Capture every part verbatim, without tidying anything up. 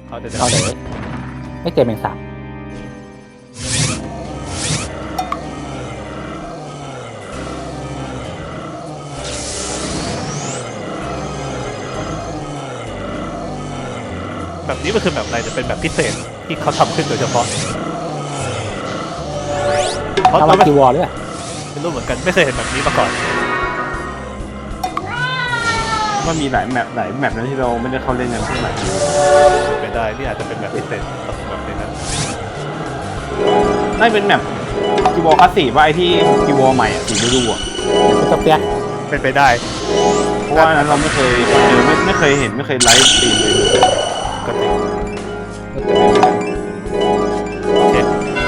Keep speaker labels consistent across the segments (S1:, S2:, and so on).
S1: เอาเดี๋ยว
S2: เอาเลยไม่เจอแมงสาบ
S1: แบบนี้มันคือแบบอะไรจะเป็นแบบพิเศษที่เขาทำขึ้นโดยเฉพาะเพราะ
S2: เอา
S1: เรา
S2: มา
S1: ไม่
S2: กีวอลด้วย
S1: ไม่รู้เหมือนกันไม่เคยเห็นแบบนี้มาก่อน
S3: มันมีหลายแมปหลายแมปนะที่เราไม่ได้เข้าเล่นกันเท่าไหร่
S1: เป็นได้นี่อาจจะเป็นแบบพิเศษแบบนี้นะ
S3: น่าเป็นแมปกีวอลคลาสสิกว่าไอที่กีวอลใหม่อ่ะสีฤดูอ่ะ
S2: สเปีย
S1: เป็นไปได้
S3: เพราะว่านั้นเราไม่เคยเจอไม่ไม่เคยเห็นไม่เคยไลฟ์สตรีมเลย
S1: ก็จริงโอเค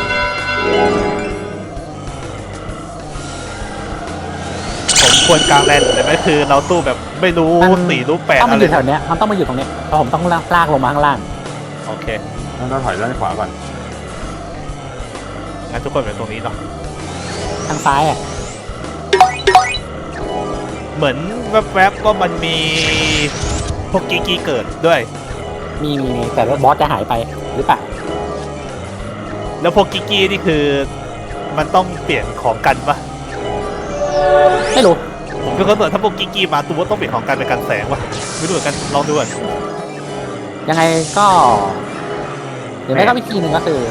S1: ผมควรกลางแลนด์แต่ไม่คือเราตู้แบบไม่รู้สี่รู้แปด
S2: ต้อง
S1: อะ
S2: มาอ
S1: ไร
S2: ยู่แถวเนี้ยมันต้องมาอยู่ตรงเนี้ยเพราะผมต้องลากลงมาข้างล่าง
S1: โอเค
S3: แล้วเราถอยด้านขวาก่อน
S1: งั้นทุกคนเป็นตรงนี้เนาะ
S2: ทางซ้ายอ่ะ
S1: เหมือนแวบๆก็มันมีพวกกีกีเกิดด้วย
S2: มีมีมีแต่ว่าบอสจะหายไปหรือเปล่า
S1: แล้วพวกกิกกี้นี่คือมันต้องเปลี่ยนของกันปะ
S2: ไม่รู้
S1: ผมก็เข้าใจถ้าพวกกิกกี้มาตัวต้องเปลี่ยนของกันเป็นกันแสงปะไม่รู้เหมือนกันลองดูก่อน
S2: ยังไงก็เดี๋ยวได้ก็วิธีหนึ่งก็คือ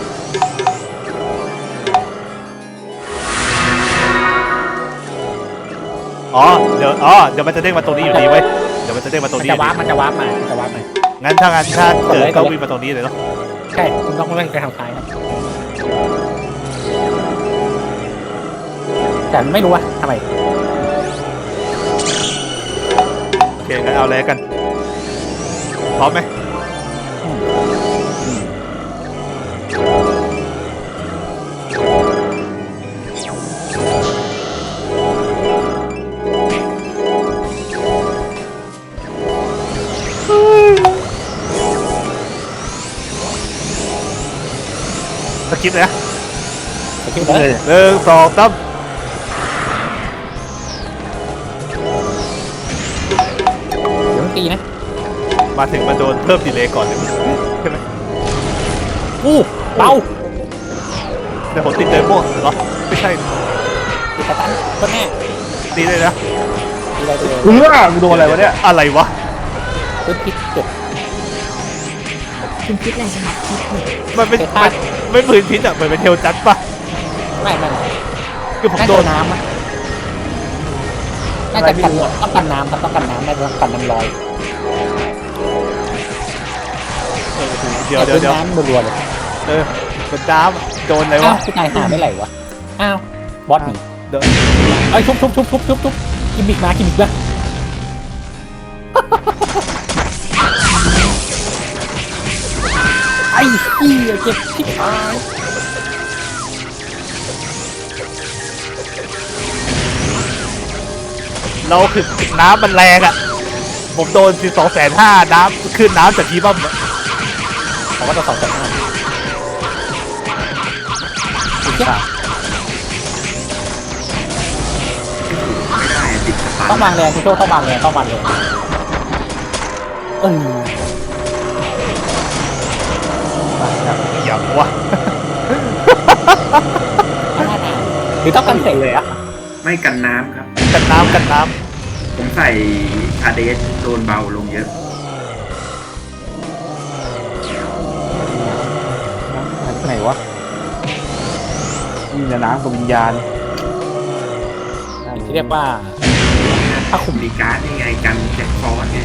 S1: อ๋อเดี๋ยวอ๋อเดี๋ยวมันจะเด้งมาตรงนี้อยู่ดีเว้ยเดี๋ยวมันจะเด้งมาตรง
S2: มัน
S1: นี้อ
S2: จะ
S1: ยู่
S2: วา
S1: ดี
S2: ร์ปมันจะวาร์ปมามันจะวาร์ปมา
S1: งั้นถ้างั้นถ้าเกิดก็วิ่งมาตรงนี้เลยเนาะ
S2: ใช่คุณต้องเล่นไปทางซ้ายครับแต่ไม่รู้ว่าทำไม
S1: โอเคงั้นเอาเลยกันพร้อมไหมสกิปเลยนะ
S2: โอเคเลย
S1: หนึ่งสองสาม
S2: เดี๋ยวมันตีนะ
S1: มาถึงมาโดนเพิ่มดีเลย์ก่อนเลยใช่ไหม
S2: อู้เบา
S1: แต่ผมติดเดโม่เหรอไม่ใช่
S2: ติดสตันก็แน่
S1: ตีเลยนะ
S2: ดีเลยดีเลย
S3: เออกูโดนอะไรวะเนี่ย
S1: อะไรวะ
S2: พื้นพิษเจ็บ
S4: คุณคิดอะไรจะมาคิดเนี่ย
S1: มันเป็น
S2: เตะพลา
S1: มั
S2: ด
S1: นไม่พื้นพิษอ่ะมันเป็นเทลจัดปะ
S2: ไม่ไม่ไม่
S1: คือผม
S2: น่า
S1: โด
S2: จะ
S1: น
S2: น้ำอะน่าจะกันต้องกันน้ำครับต้องกันน้ำน่าจะต้องกันน้ำลอย
S1: เออเดี๋ยวเดี๋ยวเดี๋ยว
S2: น้ำรัวๆเลย
S1: เออเป็นน้ำโดนอะไร
S2: อ้าว
S1: ะ
S2: วพี่นายหาไม่ไหลวะอ้าวบอสหนี
S1: เดี๋ยว
S2: เอ้ยทุบทุบทุบทุบทุบทุบกิมมิกมากิมมิกมาไอ้เหี้ยเจ็บที่ตาย
S1: เราคือน้ำมันแรงอ่ะผมโดนสิบสองแสนห้าน้ำขึ้นน้ำจากทีบ้า
S2: ผมก็จะสองจากห้าต้องวางแรงคุณโจ้ต้องวางแรงต้องวางแรงเออ
S1: อย่างวะ
S2: หรือต้องกันเสกเลยอะ
S5: ไม่กันน้ำครับ
S1: กันน้ำกันน้
S5: ผมใส่คาเดสโดนเบาลงเยอะ
S3: หายไปไหนวะมีแต่น้ำกับวิญญาณ
S2: ที่เรียกว่าถ้าขุม
S5: ดีการ์ดนี่ไงกันแจ็คฟอสไง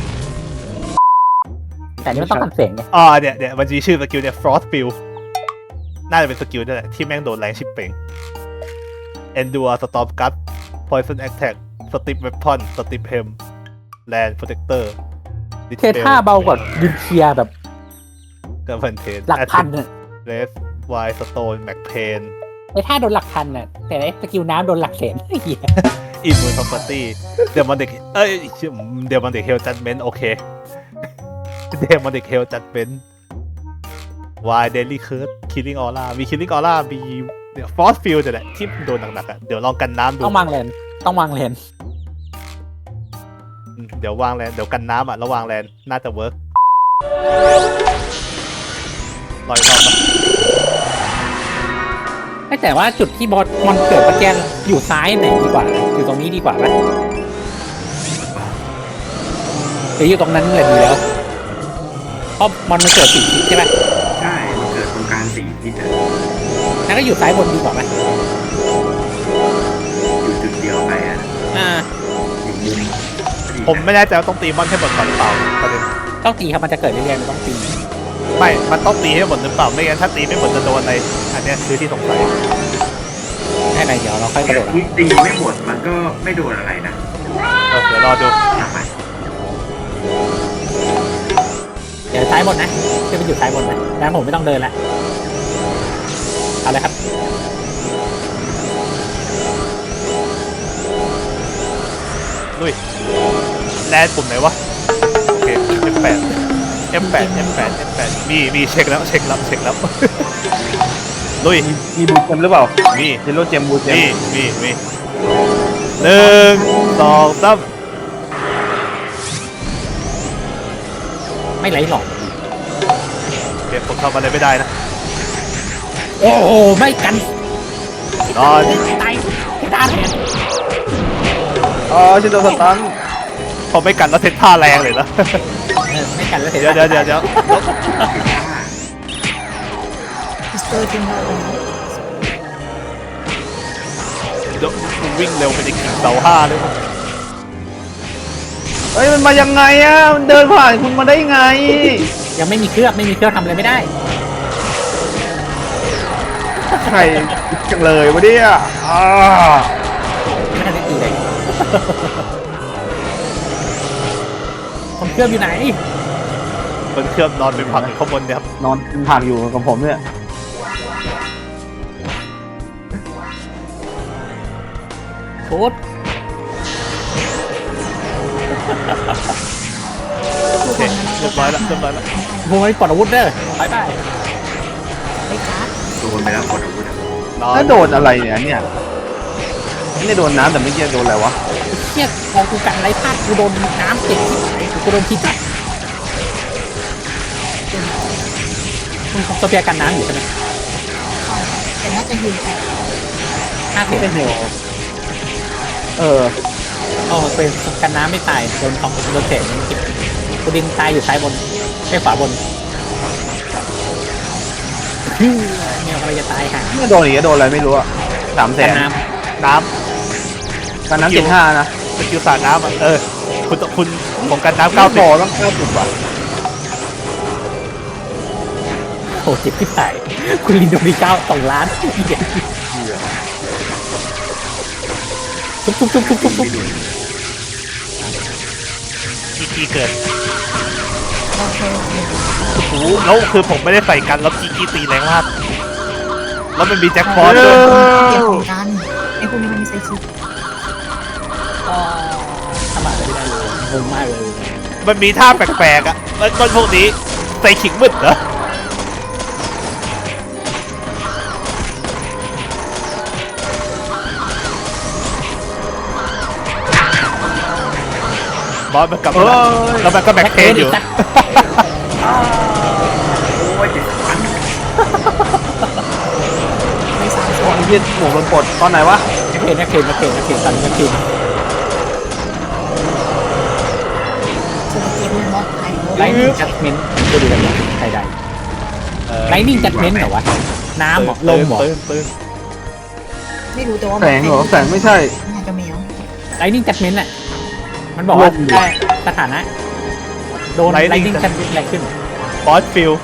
S2: แต่นี่มันต้องกันเสียงไง
S1: ำอ๋อเนี่ยเนี่ยมันจะมีชื่อสกิลเนี่ย frost field น่าจะเป็นสกิลนั่นแหละที่แม่งโดนแรงชิปเป่ง endure storm gust poison attack strip weapon strip hem land protector
S2: เทท่าเบากว่าดินเคียแบบ
S1: กับพันเทน
S2: หลักพันน่ะ
S1: เรสไวสโตนแม็กเพน
S2: ไอ้ท่าโดนหลักพันน่ะแต่ไอ้สกิลน้ำโดนหลักแสนไอ้เหี้ย
S1: อินมูนพ r o ร์ตี้เดมอนเด็กเอ้ยเดมอนเด็กเฮลจัดเมนโอเคเดมอนเด็กเฮลจัดเมนวายเดลี่เคิร์ดคิลลิ่งออร่ามีคิลลิ่งออร่ามีเนี่ยฟอสฟิลด์แหละที่โดนหนักๆอ่ะเดี๋ยวลองกันน้ำดู
S2: ต้องวางแลนต้องวางแลน
S1: อืมเดี๋ยววางแลนเดี๋ยวกันน้ำอ่ะแล้ววางแลนน่าจะเวิร์กรออีกรอบนะ
S2: ไม่แต่ว่าจุดที่บอสมันเกิดเมื่อกี้อยู่ซ้ายไหนดีกว่าอยู่ตรงนี้ดีกว่าไหมหรืออยู่ตรงนั้นเลยดีแล้วเพราะมันมันเกิดสี่ทิศใช่ไหม
S5: ใช่มันเกิดตรงกลางสี่ทิศอะ
S2: งั้นก็อยู่ซ้ายบนดีกว่าไหม
S5: อยู่จุดเดียวไปอ่ะ
S2: อ่า
S5: อยู่มุม
S1: ผมไม่แน่ใจว่าต้องตีมอนให้หมดก่อนหรือเปล่าประเด็น
S2: ต้องตีครับมันจะเกิดเรื่อยๆมันต้องตี
S1: ไม่ มันต้องตีให้หมดหรือเปล่าไม่งั้นถ้าตีไม่หมดจะโดนอะไรอันเนี้ยคือที่สงสัย
S2: แค่ไหนเดี๋ยวเราค่อยกระโดด
S5: วิตีไม่หมดมันก็ไม่โดนอะไรนะ
S1: เออเดี๋ยวรอดู
S5: ทำไม
S2: เดี๋ยวซ้ายบนนะจะไปอยู่ซ้ายบนนะแล้วผมไม่ต้องเดินละเอาเลยครับ
S1: ลุยแลนปุ่มไหนวะโอเค เอฟ แปด เอฟ แปด เอฟ แปด เอฟ แปด มีมีเช็คแล้วเช็คแล้วเช็คแล้ว ลุย
S3: มีบูเจมหรือเปล่า
S1: มี
S3: เจโรเจมบูเจม
S1: มีมีมีหนึ่งสองสาม
S2: ไม่ไหลหลอก
S1: เก็บผมทำอะไรไม่ได้นะ
S2: โอ้โหไม่กัน
S1: นอน
S2: ตายตายแทน
S3: อ๋อชิโดนสตัน
S1: ผมไม่กันแล้วเซนท่าแรงเลยนะ
S2: เออไม่กันแล้ว
S1: เดี๋ยวเดี๋ยวเดี๋ยวเดี๋ยว
S4: พิสเตอร์ทิ้งเราไปแล้ว
S1: เดี๋ยวมึงวิ่งเร็วไปในกิ่งเสาห้าเลยมั้ง
S3: เฮ้ยมันมายังไงอ่ะมันเดินผ่านคุณมาได้ไง
S2: ยังไม่มีเครื่องไม่มีเครื่องทำอะไรไม่ได้
S3: ใครจังเลยวะเนี่ยอ่า
S2: ไม่ทันได้ตีเลยคนเครื่องอยู่ไหน
S1: บนเครื่องนอนเป็นผักอยู่ข้างบนเนี่ยครับ
S3: นอนผ่านอยู่กับผมเนี่ย
S2: โค้ด
S1: โอเคเรียบร้อยแล้วเรียบร้อยแล้ว
S2: โอ้ยปลดอาวุธเด้อไปไป
S4: ไม่การ์ด
S5: โดนไปแล้วกดอาวุธอะ
S1: นอน
S3: แล้วโดนอะไรเนี่ยเนี่ยไม่ได้โดนน้ำแต่ไม่เกี่ยโดนอะไรวะ
S2: เครียดพอกูกันไรพลาดกูโดนน้ำติดกูโดนพิษจับคุณโซเฟียกันน้ำอยู่ใช่ไหม
S4: แต่น่าจะยืนแต่
S2: ห้าสิบ
S3: ไม่เป็นเหวเออ
S2: โอ้เป็นกันน้ำไม่ตายโดนของโดนเศษมันกินกูดินตายอยู่ซ้ายบนไม่ขวาบนฮึ่มเนี่ยกำลังจะตายค่ะ
S3: ไม่โดนอีกก็โดนอะไรไม่รู้อะสามแส
S2: กัน
S3: น
S2: น้
S1: น้
S3: การน้ำเจ็ดห้านะ
S1: ำสกิลสาดน้ำอ่ะเออคุณต้องคุณผมกันน้ำ
S3: เก้า
S1: เก้า
S3: บ
S1: สิ
S3: อบ ต้องเก้าสิบว่ะ
S2: ำโอ้เจ็บที่ตายคุณลินโดมีเก้าสองล้านเด็ดทุบทุบทุบทุบทุบทุบ
S1: กีกีเกิด
S4: เราเคยเห็น
S1: โอ้โหแล้วคือผมไม่ได้ใส่กันแล้วกีกีตีแรงมากแล้วมันมีแจ็คพอตด้วย
S4: เกี่ยวของกันไอ้พวกนี้มันมีไซคิด
S2: อ๋อทำอะไรไม่ได้เลยงงมากเลย
S1: มันมีท่าแปลกๆอ่ะแล้วต้นพวกนี้ใส่ขิงมืดเหรอ บอสมันกลับมาแล้วแล้วมันก็แบ็คเทนอยู่
S5: โอ้ยเจ็ดพัน
S4: ไม่สามสิบ
S3: โอ้ยเหี้ยหมวกโดนปลดตอนไหนวะ
S2: นักเรียนนักเรียนนักเรียนนักเรียนตอนนี้นักเรียน
S4: สกิลม็อกไทย
S2: ไลนิ่งจัดเมนต์ดูดูกันใครได้ไลนิ่งจัดเมนต์เหรอวะน้ำเหรอลมเหรอ
S1: ตื่นตื่น
S4: ไม่รู้แต่ว่า
S3: แสงเหรอแสงไม่ใช่
S4: น่าจะแมว
S2: ไลนิ่งจัดเมนต์อ่ะมันบอกว่า
S3: ลมเหรอ
S2: ได้สถานะโดนไลนิ่งจัดเมนต์อะไรขึ้น
S1: บอสฟิล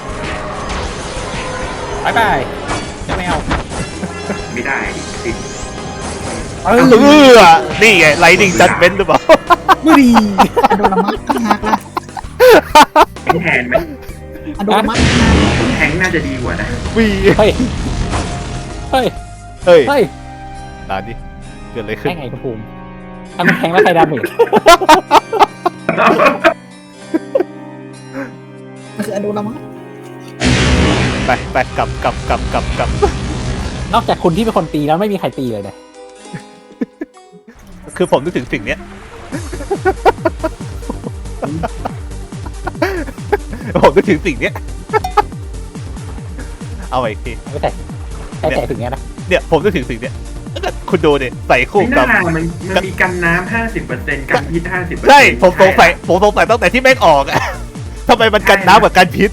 S2: บายบายจะไม่เอา
S5: ไม่ได้ติด
S2: เอ
S1: เอ
S2: อ
S1: อนี่ไงไลนิ่งจัดเบนหรือเปล่า
S2: มือดี
S4: อะโดรามัสตั้งฮักละ
S5: แทงแทนไหม
S4: อะโดรามัสตั้งฮัก
S5: แทงน่าจะดีกว่านะ
S1: วี
S2: เฮ้ยเฮ้ย
S1: เฮ้ย
S2: เฮ้ย
S1: นานดิเกิดอะไรขึ้น
S2: ได้ไงคุณภูมิทำแข่งแล้วใครดาเมจ
S4: มันคืออะโดรามัส
S1: ไปไปกลับกลับกลับกลับกลับ
S2: นอกจากคุณที่เป็นคนตีแล้วไม่มีใครตีเลยเนี่ย
S1: คือผมนึกถึงสิ่งเนี้ย ผมนึกถึงสิ่งเนี้ยเอาอีกที
S2: ไม่ใส่ใส่ใส่ถึงเนี้ยนะ
S1: เนี่ยผมจะถึงสิ่งเนี้ยคุณดูดิใส่คู่
S5: ไม่
S1: กั
S5: น่า
S1: บ
S5: มันมันมีกันน้ำห้าสิบเปอร์เซ็นต์กันพิษห้าสิบเปอร์เซ็นต์
S1: ใช่ผมสงสัยผมสงสัยตั้งแต่ที่แม่งออกอะ ทำไมมันกันน้ำกับกันพิษ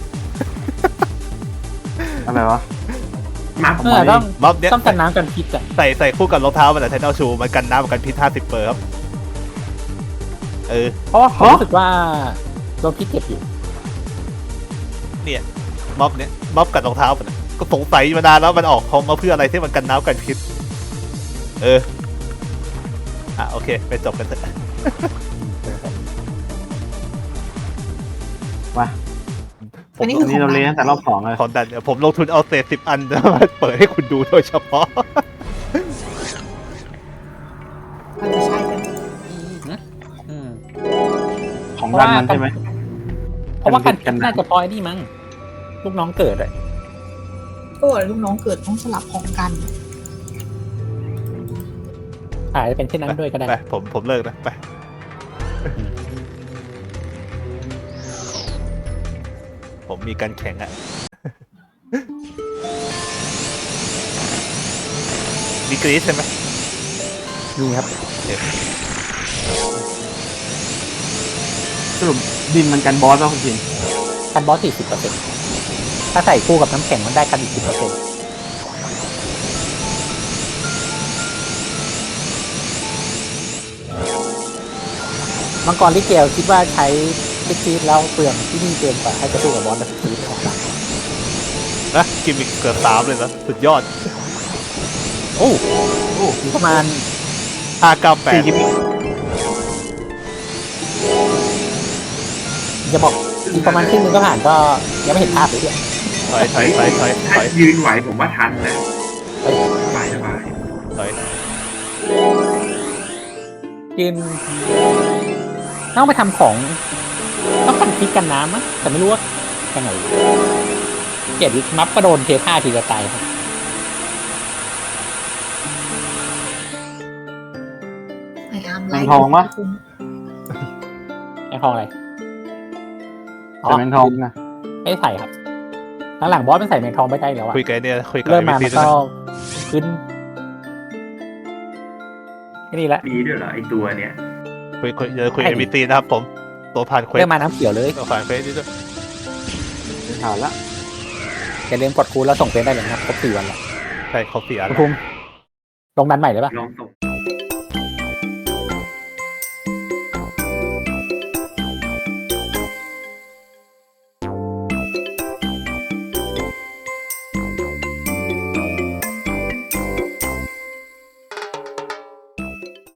S3: อะไรวะ
S5: มา
S2: เออต้อง
S1: ม็อบเนี้ย
S2: ต้องกันน้ำกันพิษอ่ะ
S1: ใส่ใส่คู่กับรองเท้ามันแต่ไทเทลชูมันกันน้ำกับกันพิษห้าสิบเปอร์ครับเออ
S2: เพราะว่าผมรู้สึกว่าโดนพิษเจ็บอยู่
S1: เนี่ยม็อบเนี้ยม็อบกับรองเท้ามันอะก็สงสัยมานานแล้วมันออกของมาเพื่ออะไรที่มันกันน้ำกันพิษเอออ่ะโอเคไปจบกันเถอะ
S3: มา
S1: ผ
S4: อั
S1: ม
S4: นนี้
S3: อันนี้เราเล่นตั้งแต่รอบสองเลย
S1: ของดันเนี่ยผมลงทุนเอาเศษสิบอัน มาเปิดให้คุณดูโดยเฉพาะ
S4: มันจะใช้กัน
S2: อืม
S3: ของดันมันใช่ไหม
S2: เพราะว่ากันพิ
S3: กั
S2: ษ
S3: น
S2: น่าจะปล่อยนี่มั้งลูกน้องเกิดอะ
S4: ก็ลูกน้องเกิดต้องสลับของกัน
S2: อาจจะเป็นเช่นนั้นด้วยก็ได้
S1: ไปผมผมเลิกนะไปผมมีการแข่งอะ มีกรีซใช่ไหม
S2: นี่ครับ
S3: สรุปดินมันกันบอสป่ะคุณจิน
S2: กันบอสสี่สิบเปอร์เซ็นต์ถ้าใส่คู่กับน้ำแข็งมันได้กันอีกสิบเปอร์เซ็นต์มังกรลิเกลคิดว่าใช้ลิกีดแล้วเปลืองที่นี่เกินกว่าให้จะสู้กับบอสแบบลิกีดของเรา
S1: นะกิมมิกเกือบสามเลยนะสุดยอด
S2: โอ้โอ้มีประมาณ
S1: ห้าเก้าแปด
S3: สี่กิมมิค
S2: จะบอกอีกประมาณครึ่งนึงก็ผ่านก็ยังไม่เห็นภาพเลยเนี่ย
S1: ถอยถอยถอยถอยถ
S5: ถ้า
S1: อย
S5: ยืนไหวผมว่าทันนะ
S2: เฮ้ย
S5: สบายสบาย
S1: ถอย
S2: ยืนต้องไปทำของต้องกันพิษกันน้ำมั้งแต่ไม่รู้ว่ายังไงเกียรติมัฟก็โดนเทท่าทีจะตายครับ
S4: ไอ้อาร์ม
S3: แมงทองปะ
S2: ไอ้ทองอะไร
S3: ใส่แมงทองนะ
S2: ไม่ใส่ครับหลังๆบอสมันใส่แมงทองไม่ได้แล้วอะ
S1: คุยกันเนี่ยคุยกับ
S2: เริ่ม
S1: เอ็ม
S2: มา
S1: ซี
S2: มัน
S1: ด้วย
S2: ก็
S1: นะ
S2: ขึ้นนี่แหละ
S5: มีด้วยเหรอไอตัวเนี้ย
S1: คุยคุยเดี๋ยวคุยกับเอ็มซีนะครับผมตัวผ่านเควส
S2: เริ่มมาน้ำเขียวเลย
S1: ตัวผ่านเควสนี่ด้วย
S3: ไม่ผ่านละ
S2: อย่าลืมกดคูณแล้วส่งเฟซได้เลยนะครับครบสี่วันแล้ว
S1: ใช่ครบสี่อัน
S2: คุณภูมิลงดันใหม่เลยปะ
S5: ลองส่ง